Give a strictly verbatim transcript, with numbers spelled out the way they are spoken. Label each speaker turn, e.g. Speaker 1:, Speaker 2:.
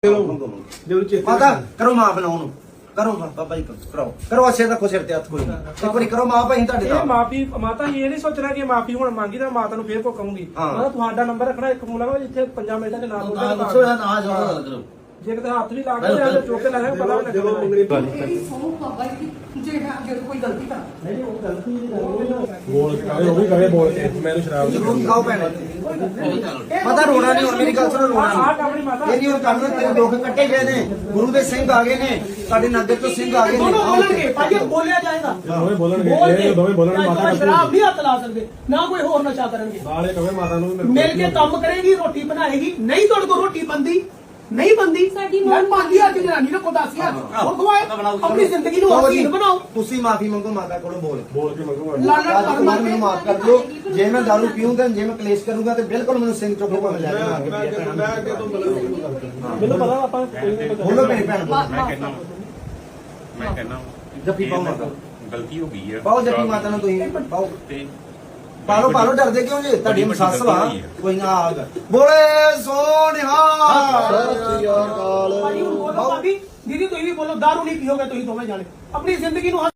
Speaker 1: माता करो मां बनाओ नु करो बाबा जी करो करो अच्छे तक सिर ते हथ कोई नहीं एक बारी करो मां भाई ਤੁਹਾਡੇ
Speaker 2: ਇਹ ਮਾਫੀ ਮਾਤਾ ਇਹ ਨਹੀਂ ਸੋਚਣਾ ਕਿ ਮਾਫੀ ਹੁਣ ਮੰਗੀ ਤਾਂ ਮਾਤਾ ਨੂੰ ਫੇਰ ਕੋ ਕਹੂੰਗੀ ਮਾਤਾ ਤੁਹਾਡਾ ਨੰਬਰ ਰੱਖਣਾ ਇੱਕ ਫੋਨ ਲਾਓ ਜਿੱਥੇ ਪੰਜਾਂ ਮਿੰਟਾਂ ਦੇ ਨਾਲ ਬੋਲਦਾ ਜੇ ਕਿਤੇ ਹੱਥ ਵੀ ਲਾ ਕੇ ਤੇ ਚੋਕੇ ਲਾ ਕੇ ਪਤਾ ਵੀ
Speaker 3: ਜਦੋਂ ਮੰਗਣੀ ਇਹ ਸੌ ਬਾਬਾ ਜੀ ਜੇ ਜੇ ਕੋਈ ਗਲਤੀ ਕਰ
Speaker 2: ਨਹੀਂ ਨਹੀਂ ਉਹ ਗਲਤੀ
Speaker 4: ਬੋਲ ਕੇ ਕਹੇ ਉਹ ਵੀ ਕਹੇ ਬੋਲ ਕੇ ਮੈਨੂੰ ਸ਼ਰਾਬ
Speaker 1: ਜ਼ਰੂਰ ਖਾਓ ਭੈਣ ਮਾਤਾ ਰੋਣਾ ਨਹੀਂ ਹੁਣ ਮੇਰੀ ਗੱਲ ਸੁਣੋ ਰੋਣਾ
Speaker 2: ਆਹ ਆਪਣੀ ਮਾਤਾ
Speaker 1: ਇਹ ਨਹੀਂ ਹੁਣ ਕਰਨਾ ਤੇਰੇ ਦੁੱਖ ਕੱਟੇ ਗਏ ਨੇ ਗੁਰੂ ਦੇ ਸਿੰਘ ਆ ਗਏ ਨੇ ਸਾਡੇ ਨਗਰ ਤੋਂ ਸਿੰਘ ਆ ਗਏ ਨੇ
Speaker 5: ਦੋਨੋਂ ਬੋਲਣਗੇ ਭਾਈ ਬੋਲਿਆ ਜਾਏਗਾ
Speaker 4: ਦੋਵੇਂ ਬੋਲਣਗੇ ਇਹ ਦੋਵੇਂ ਬੋਲਣਗੇ ਮਾਤਾ
Speaker 5: ਸ਼ਰਾਬ ਨਹੀਂ ਹੱਥ ਲਾ ਸਕਦੇ ਨਾ ਕੋਈ ਹੋਰ ਨਸ਼ਾ ਕਰਨਗੇ
Speaker 4: ਨਾਲੇ ਕਹੇ ਮਾਤਾ ਨੂੰ ਵੀ
Speaker 5: ਮਿਲ ਕੇ ਕੰਮ ਕਰੇਗੀ ਰੋਟੀ ਬਣਾਏਗੀ ਨਹੀਂ ਤੁਹਾਡੇ ਕੋਲ ਰੋਟੀ ਬੰਦੀ ਨਹੀਂ ਬੰਦੀ
Speaker 3: ਸਾਡੀ
Speaker 5: ਮੈਂ ਪਾਉਂਦੀ ਆ ਜਨਾਨੀ ਨੇ ਖੁਦਾ ਸੀ ਉਹ ਖਵਾਏ ਆਪਣੀ ਜ਼ਿੰਦਗੀ ਨੂੰ ਹਸੀਨ ਬਣਾਓ
Speaker 1: ਤੁਸੀਂ ਮਾਫੀ ਮੰਗੋ ਮਾਤਾ ਕੋਲੋਂ ਬੋਲ
Speaker 4: ਬੋਲ ਕੇ ਮੰਗੂਗਾ
Speaker 5: ਲਾਲਚ ਕਰ
Speaker 1: ਮਾਰ ਮੈਨੂੰ ਮਾਫ ਕਰ ਦਿਓ ਜੇ ਮੈਂ ਦਾਰੂ ਪੀਊਂਗਾ ਜੇ ਮੈਂ ਕਲੇਸ਼ ਕਰੂੰਗਾ ਤੇ ਬਿਲਕੁਲ ਮੈਨੂੰ ਸਿੰਘ ਚੋਕੋ ਭਾਵੇਂ ਲੈ ਕੇ
Speaker 2: ਮੈਨੂੰ ਪਤਾ ਆਪਾਂ ਕੋਈ ਨਹੀਂ
Speaker 1: ਬੋਲੋ ਮੇਰੀ ਭੈਣ ਬੋਲੋ
Speaker 6: ਮੈਂ ਕਹਿੰਦਾ ਮੈਂ ਕਹਿੰਦਾ
Speaker 1: ਜੱਫੀ ਪਾਓ ਮਾਤਾ
Speaker 6: ਗਲਤੀ ਹੋ ਗਈ ਹੈ
Speaker 1: ਪਾਓ ਜੱਫੀ ਮਾਤਾ ਨੂੰ ਤੁਸੀਂ ਪਾਓ
Speaker 6: ਤੇ
Speaker 1: ਪਾਲੋ ਪਾਲੋ ਡਰਦੇ ਕਿਉਂ ਜੀ ਤੁਹਾਡੀ ਮਸੱਸ ਵਾ ਕੋਈ ਨਾ ਆਗ ਬੋਲੇ ਸੋਨਿਹਾ
Speaker 5: ਭਾਈ ਹੁਣ ਬੋਲੋ ਭਾਬੀ ਦੀਦੀ ਤੁਸੀਂ ਵੀ ਬੋਲੋ ਦਾਰੂ ਨਹੀਂ ਪੀਓਗੇ ਤੁਸੀਂ ਦੋਵੇਂ ਜਾਣੇ ਆਪਣੀ ਜ਼ਿੰਦਗੀ ਨੂੰ